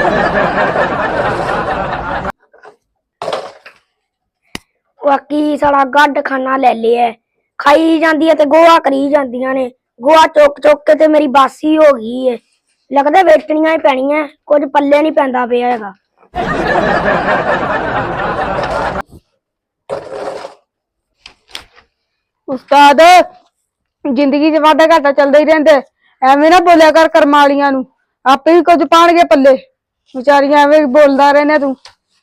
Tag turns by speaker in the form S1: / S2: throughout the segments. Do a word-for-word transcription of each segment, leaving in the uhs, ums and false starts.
S1: बाकी साला गड्ड खाना ले लिया खाई जाती है ते गोहा करी जांदियां ने गोहा चुक चुक के ते मेरी बासी हो गई है लगदा वेचनियां ही पैणियां कुछ पल्ले नहीं पैंदा पिया हैगा।
S2: उस्ताद जिंदगी च वादा घाटा चलदा ही रहिंदा एवें ना बोलिया कर कर्मां वालियां नूं आपे ही कुछ पाणगे पल्ले बेचारियां एवें बोलदा रहना तू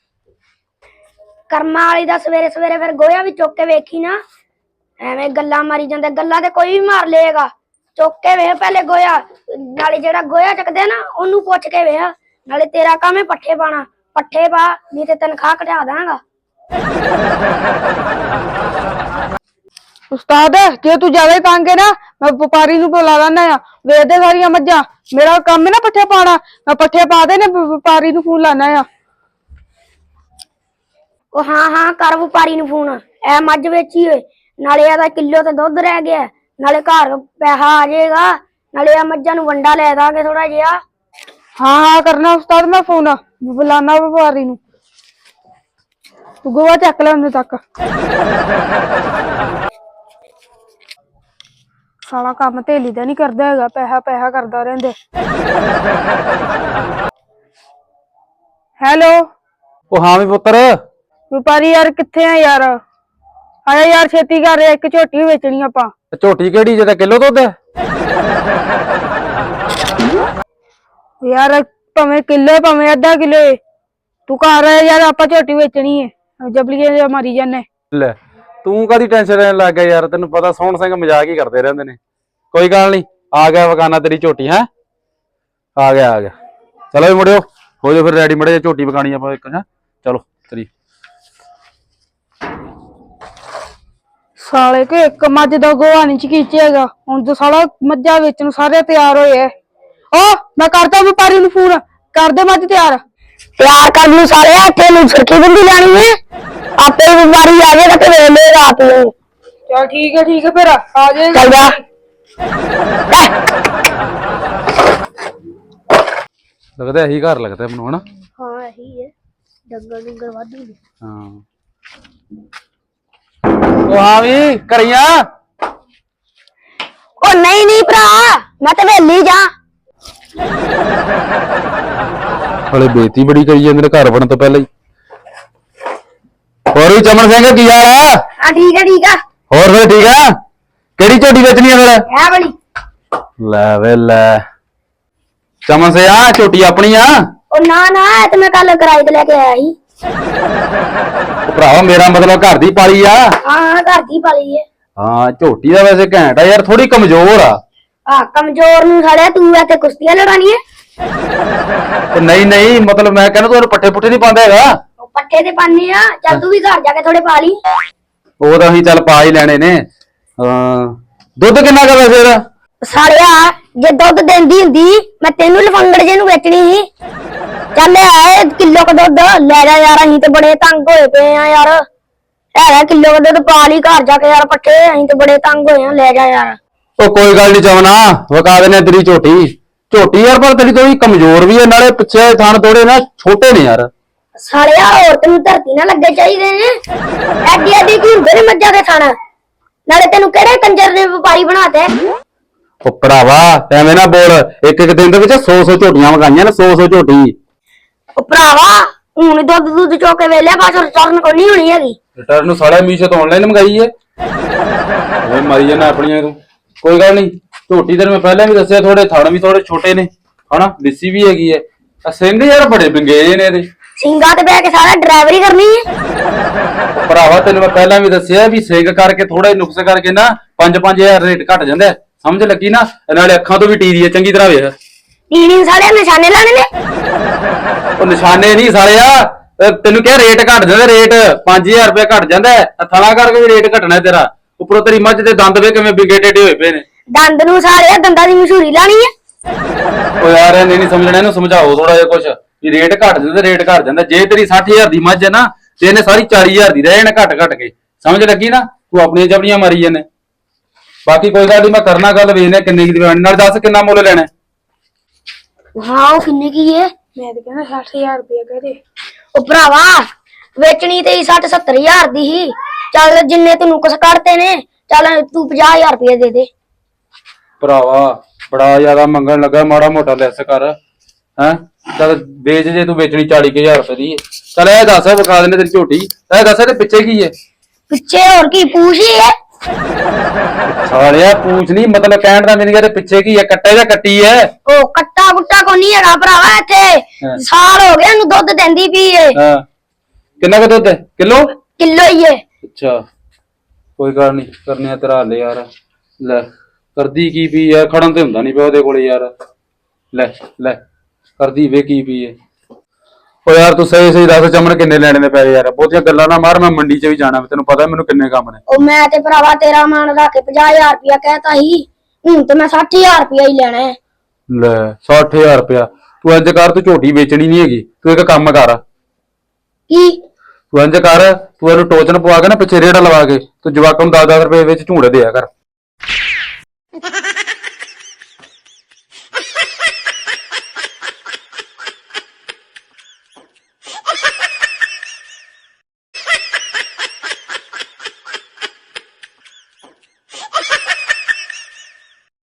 S1: कर्मां वाली दा सवेरे सवेरे फिर गोया भी चुक के वेखी ना एवें गल्लां मारी जांदे गल्लां ते कोई भी मार लेगा चुक के वेख पहले गोया नाले जेड़ा गोया चकदे ना ओनू पुछ के वेख नाले तेरा काम है पट्ठे पाना पट्ठे पा नहीं ते तनखा घटा दांगा।
S2: उस्ताद जे तू ज्यादा ही तंग है ना मैं व्यापारी नूं बुला लाना आ वेच दे सारियां मज्जां मेरा काम है ना पट्ठे पाना मैं पट्ठे पा दे ने व्यापारी नूं फोन लाना आ।
S1: ओ हाँ हाँ कर व्यापारी नूं फोन ए मज्ज वेची होए नाले एदा किलो ते दुध रह गया नाले घर पैसा आ जाएगा नाले आ मज्जां नूं वंडा लै दांगे थोड़ा जिहा।
S2: हाँ हाँ करना उस्ताद मैं फोन बुलाना व्यापारी नूं तू गोवा चक ले उन्ने तक साला काम धेली दा नहीं करदा हैगा पैसा पैसा करदा रहिंदे। हेलो
S3: ओ हाँ भी पुत्र
S2: व्यापारी यार किथे है यार आया यार छेती कर एक झोटी बेचनी आपां
S3: झोटी केड़ी जे किलो दुध
S2: यार भावें किलो भावें अद्धा किलो तू घर आया यार आपां झोटी बेचनी है जबलिए मारी जाने
S3: ले तू कादी टेंशन लेने लग गया यार तेन पता सोहन सिंह मजाक ही करते रहंदे ने कोई गल नहीं आ गया वकाना तेरी झोटी है आ गया आ गया चलो भी मुड़ियो हो जाओ फिर रेडी मड़े झोटी पकानी आप एक है चलो तेरी
S2: साले के एक मझ का गोहा नहीं चकीचेगा हुण तो साला मज्जा बेचन सारे तैयार होए ओ मैं करता व्यापारी नूं फोन कर दे मझ तैयार
S1: तैयार कर लू सारे इत्थे नूं सुर्खी बिंदी लानी है आपे व्यापारी आ जाएगा ते ले लेगा आप लोग।
S2: चल ठीक है ठीक है फिर आ जाएगा
S1: चल जा
S3: लगता यही घर लगता है है ना
S1: हाँ यही है डंगर डंगर वाधू
S3: हाँ ओ हाँ भी करिया
S1: ओ नहीं नहीं भरा मैं तो वेली जा
S3: हले बेइज्जती बड़ी करी जांदे ने घर बनन तो पहले ही और भी चमन सिंह की हाल है
S1: हां ठीक है ठीक है
S3: और फिर ठीक है केड़ी झोटी बेचनी है फिर
S1: है वाली
S3: ले वे ले चमन से आ झोटी अपनी आ
S1: ओ ना ना ए ते मैं कल किराए ते लेके आया ही
S3: भरावा मेरा मतलब घर दी पाली आ
S1: हां घर दी पाली है
S3: हां झोटी दा वैसे घैंट आ यार थोड़ी कमजोर आ
S1: हां कमजोर नूं साले तू इत्थे कुश्तियां लड़ानी है
S3: नहीं नहीं मतलब मैं कहना तू पट्ठे पुट्ठे नहीं पांदा हैगा
S1: पट्ठे ते पानी आ चल तू भी घर जाके थोड़े पा ली
S3: ਉਹ ਤਾਂ ਅਸੀਂ ਚੱਲ ਪਾ ਹੀ ਲੈਣੇ ਨੇ ਹਾਂ ਦੁੱਧ ਕਿੰਨਾ ਕਰ ਵੈਸੇ ਇਹਦਾ
S1: ਸਾਲਿਆ ਜੇ ਦੁੱਧ ਦਿੰਦੀ ਹੁੰਦੀ ਮੈਂ ਤੈਨੂੰ ਲਫੰਗੜ ਜੇ ਨੂੰ ਵੇਚਣੀ ਸੀ ਚੱਲ ਆਏ ਕਿਲੋ ਕ ਦੁੱਧ ਲੈ ਜਾ ਯਾਰ ਅਸੀਂ ਤੇ ਬੜੇ ਤੰਗ ਹੋਏ ਪਏ ਆ ਯਾਰ ਹੈਗਾ ਕਿਲੋ ਕ ਦੁੱਧ ਪਾ ਲਈ ਘਰ ਜਾ ਕੇ ਯਾਰ ਪੱਠੇ ਅਸੀਂ ਤੇ ਬੜੇ ਤੰਗ ਹੋਏ ਆ ਲੈ ਜਾ ਯਾਰ
S3: ਉਹ ਕੋਈ ਗੱਲ ਨਹੀਂ ਚਵਨਾ ਵਕਾ ਦੇਣੇ ਤੇਰੀ ਝੋਟੀ ਝੋਟੀ ਯਾਰ ਪਰ ਤੇਰੀ ਥੋੜੀ ਕਮਜ਼ੋਰ ਵੀ ਹੈ ਨਾਲੇ ਪਿੱਛੇ ਥਣ ਥੋੜੇ ਨਾ ਛੋਟੇ ਨੇ ਯਾਰ
S1: ਸਾਲਿਆ ਹੋਰ ਤੈਨੂੰ ਧਰਤੀ ਨਾ ਲੱਗੇ ਚਾਹੀਦੇ ਨੇ ਐਡੀ ਐਡੀ ਕੀ ਹੁੰਦੇ ਨੇ ਮੱਝਾਂ ਦੇ ਥਣ ਨਾਲੇ ਤੈਨੂੰ ਕਿਹੜੇ ਕੰਜਰ ਨੇ ਵਪਾਰੀ ਬਣਾਤੇ
S3: ਉਹ ਭਰਾਵਾ ਐਵੇਂ ਨਾ ਬੋਲ ਇੱਕ ਇੱਕ ਦਿਨ ਦੇ ਵਿੱਚ ਸੌ ਸੌ ਝੋਟੀਆਂ ਵਗਾਈਆਂ ਨੇ ਸੌ ਸੌ ਝੋਟੀ
S1: ਉਹ ਭਰਾਵਾ ਹੁਣ ਦੁੱਧ ਦੁੱਧ ਚੋ ਕੇ ਵੇਲਿਆ ਬਾਅਦ ਰਿਟਰਨ ਕੋਈ ਨਹੀਂ ਹੋਣੀ ਹੈਗੀ
S3: ਰਿਟਰਨ ਨੂੰ ਸਾਲਿਆ ਮੀਸ਼ੋ ਤੋਂ ਆਨਲਾਈਨ ਮੰਗਾਈ ਏ ਓਏ ਮਾਰੀ ਜਾਣਾ ਆਪਣੀਆਂ ਤੂੰ ਕੋਈ ਗੱਲ ਨਹੀਂ ਝੋਟੀ ਤੇ ਮੈਂ ਪਹਿਲਾਂ ਵੀ ਦੱਸਿਆ ਥੋੜੇ ਥਣ ਵੀ ਥੋੜੇ ਛੋਟੇ ਨੇ ਹਨਾ ਲਿੱਸੀ ਵੀ ਹੈਗੀ ਏ ਆ ਸਿੰਘ ਯਾਰ ਬੜੇ ਵਿੰਗੇ ਨੇ ਇਹਦੇ
S1: ਸਿੰਘਾਂ ਤੇ ਬਹਿ ਕੇ ਸਾਰਾ ਡਰਾਈਵਰੀ ਕਰਨੀ ਹੈ
S3: ਭਰਾਵਾ ਤੈਨੂੰ ਮੈਂ ਪਹਿਲਾਂ ਵੀ ਦੱਸਿਆ ਵੀ ਸਿੰਘ ਕਰਕੇ ਥੋੜਾ ਨੁਕਸ ਕਰਕੇ ਨਾ ਪੰਜ ਪੰਜ ਹਜ਼ਾਰ ਰੇਟ ਘਟ ਜਾਂਦਾ ਸਮਝ ਲੱਗੀ ਨਾ ਨਾਲੇ ਅੱਖਾਂ ਤੋਂ ਵੀ ਟੀਰੀ ਹੈ ਚੰਗੀ ਤਰ੍ਹਾਂ ਵੇਖ
S1: ਟੀਰੀ ਸਾਲੇ ਨਿਸ਼ਾਨੇ ਲਾਣੇ ਨੇ
S3: ਉਹ ਨਿਸ਼ਾਨੇ ਨਹੀਂ ਸਾਲਿਆ ਤੈਨੂੰ ਕਿਹਾ ਰੇਟ ਘਟ ਜਾਂਦਾ ਰੇਟ ਪੰਜ ਹਜ਼ਾਰ ਰੁਪਏ ਘਟ ਜਾਂਦਾ ਥਣਾ ਕਰਕੇ ਵੀ ਰੇਟ ਘਟਣਾ ਤੇਰਾ ਉੱਪਰੋਂ ਤੇਰੀ ਮੱਝ ਦੇ ਦੰਦ ਵੇ ਕਿਵੇਂ ਵਿੰਗੇ ਟੇਢੇ ਹੋਏ ਪਏ ਨੇ
S1: ਦੰਦ ਨੂੰ ਸਾਲਿਆ ਦੰਦਾਂ ਦੀ ਮਸ਼ਹੂਰੀ ਲਾਣੀ ਹੈ
S3: ਉਹ ਯਾਰ ਇਹਨੇ ਨਹੀਂ ਸਮਝਣਾ ਇਹਨੂੰ ਸਮਝਾਓ ਥੋੜਾ ਜਿਹਾ ਕੁਛ ਵੀ ਰੇਟ ਘਟ ਜਾਂਦਾ ਰੇਟ ਘਟ ਜਾਂਦਾ ਜੇ ਤੇਰੀ ਸੱਠ ਹਜ਼ਾਰ ਦੀ ਮੱਝ ਹੈ ਨਾ ਤੇ ਇਹਨੇ ਸਾਰੀ ਚਾਲੀ ਹਜ਼ਾਰ ਦੀ ਰਹਿ ਜਾਣਾ ਘਟ ਘਟ ਕੇ ਸਮਝ ਲੱਗੀ ਨਾ ਤੂੰ ਆਪਣੀਆਂ ਜਬੜੀਆਂ ਮਾਰੀ ਜਾਂਦੇ ਬਾਕੀ ਕੋਈ ਗੱਲ ਨਹੀਂ ਮੈਂ ਕਰਨਾ ਗੱਲ ਵੇਖਦੇ ਕਿੰਨੇ ਦੀ ਨਾਲ ਦੱਸ ਕਿੰਨਾ ਮੁੱਲ ਲੈਣਾ
S1: ਹਾਂ ਉਹ ਕਿੰਨੇ ਕੀ ਹੈ
S2: ਮੈਂ ਤਾਂ ਕਹਿੰਦਾ ਸੱਠ ਹਜ਼ਾਰ ਰੁਪਇਆ ਕਹਦੇ।
S1: ਉਹ ਭਰਾਵਾ ਵੇਚਣੀ ਤੇ ਸੱਠ ਸੱਤਰ ਹਜ਼ਾਰ ਦੀ ਹੀ। ਚੱਲ ਜਿੰਨੇ ਤੂੰ ਨੁਕਸ ਕੱਢਤੇ ਨੇ, ਚੱਲ ਤੂੰ ਪੰਜਾਹ ਹਜ਼ਾਰ ਰੁਪਏ ਦੇ ਦੇ।
S3: ਭਰਾਵਾ ਬੜਾ ਜ਼ਿਆਦਾ ਮੰਗਣ ਲੱਗਾ, ਮਾੜਾ ਮੋਟਾ ਲੈਸ ਕਰ ਹੈ। ਚੱਲ ਵੇਚ ਜੇ ਤੂੰ ਵੇਚਣੀ ਚਾਲੀ ਕੁ ਹਜ਼ਾਰ ਰੁਪਏ ਦੀ। ਚੱਲ ਇਹ ਦੱਸ ਵਿਖਾ ਦਿੰਦੇ ਤੇਰੀ ਝੋਟੀ। ਇਹ ਦੱਸ ਇਹਦੇ ਪਿੱਛੇ ਕੀ ਹੈ?
S1: ਪਿੱਛੇ ਹੋਰ ਕੀ ਪੂਛ ਹੀ ਹੈ?
S3: ਸਾਲਿਆ ਪੂਛ ਨਹੀਂ, ਮਤਲਬ ਕਹਿਣ ਦਾ ਮੈਨੂੰ ਇਹਦੇ ਪਿੱਛੇ ਕੀ ਹੈ? ਕੱਟੇ ਜਾਂ ਕੱਟੀ ਹੈ?
S1: ਉਹ ਕੱਟਾ ਕੁੱਟਾ ਕੋ ਨਹੀਂ ਹੈਗਾ ਭਰਾਵਾ ਇੱਥੇ। ਸਾਲ ਹੋ ਗਿਆ ਇਹਨੂੰ ਦੁੱਧ ਦਿੰਦੀ ਪਈ ਏ।
S3: ਹਾਂ ਕਿੰਨਾ ਕੁ ਦੁੱਧ ਹੈ? ਕਿਲੋ
S1: ਕਿਲੋ ਹੀ ਏ।
S3: ਅੱਛਾ ਕੋਈ ਗੱਲ ਨਹੀਂ, ਕਰਨੇ ਆ ਤੇਰਾ ਹੱਲ ਯਾਰ। ਲੈ ਕਰਦੀ ਕੀ ਪਈ ਹੈ? ਖੜਨ ਤੇ ਹੁੰਦਾ ਨਹੀਂ ਪਿਆ ਉਹਦੇ ਕੋਲੇ ਯਾਰ। ਲੈ ਲੈ ਕਰਦੀ ਵੇ ਕੀ ਪਈ ਹੈ। ਓ ਯਾਰ ਤੂੰ ਸਹੀ ਸਹੀ ਦੱਸ ਚਮਨ ਕਿੰਨੇ ਲੈਣੇ ਨੇ ਪੈਸੇ ਯਾਰ? ਬਹੁਤੀਆਂ ਗੱਲਾਂ ਨਾ ਮਾਰ, ਮੈਂ ਮੰਡੀ 'ਚ ਵੀ ਜਾਣਾ, ਤੈਨੂੰ ਪਤਾ ਮੈਨੂੰ ਕਿੰਨੇ ਕੰਮ ਨੇ।
S1: ਉਹ ਮੈਂ ਤੇ ਭਰਾਵਾ ਤੇਰਾ ਮਾਨ ਰੱਖ ਕੇ ਪੰਜਾਹ ਹਜ਼ਾਰ ਰੁਪਇਆ ਕਹਿਤਾ ਸੀ, ਹੁਣ ਤੇ ਮੈਂ ਸੱਠ ਹਜ਼ਾਰ ਰੁਪਇਆ ਹੀ ਲੈਣਾ ਹੈ।
S3: ਲੈ ਸੱਠ ਹਜ਼ਾਰ ਰੁਪਇਆ? ਤੂੰ ਇੰਜ ਕਰ, ਤੂੰ ਝੋਟੀ ਵੇਚਣੀ ਨਹੀਂ ਹੈਗੀ, ਤੂੰ ਇੱਕ ਕੰਮ ਕਰ।
S1: ਕੀ?
S3: ਤੂੰ ਇੰਜ ਕਰ, ਤੂੰ ਇਹਨੂੰ ਟੋਚਨ ਪਵਾ ਕੇ ਨਾ ਪਿੱਛੇ ਰੇੜਾ ਲਵਾ ਕੇ ਤੂੰ ਜਵਾਕਾਂ ਨੂੰ ਦਸ ਦਸ ਰੁਪਏ ਵਿੱਚ ਝੂੜੇ ਦਿਆ ਕਰ।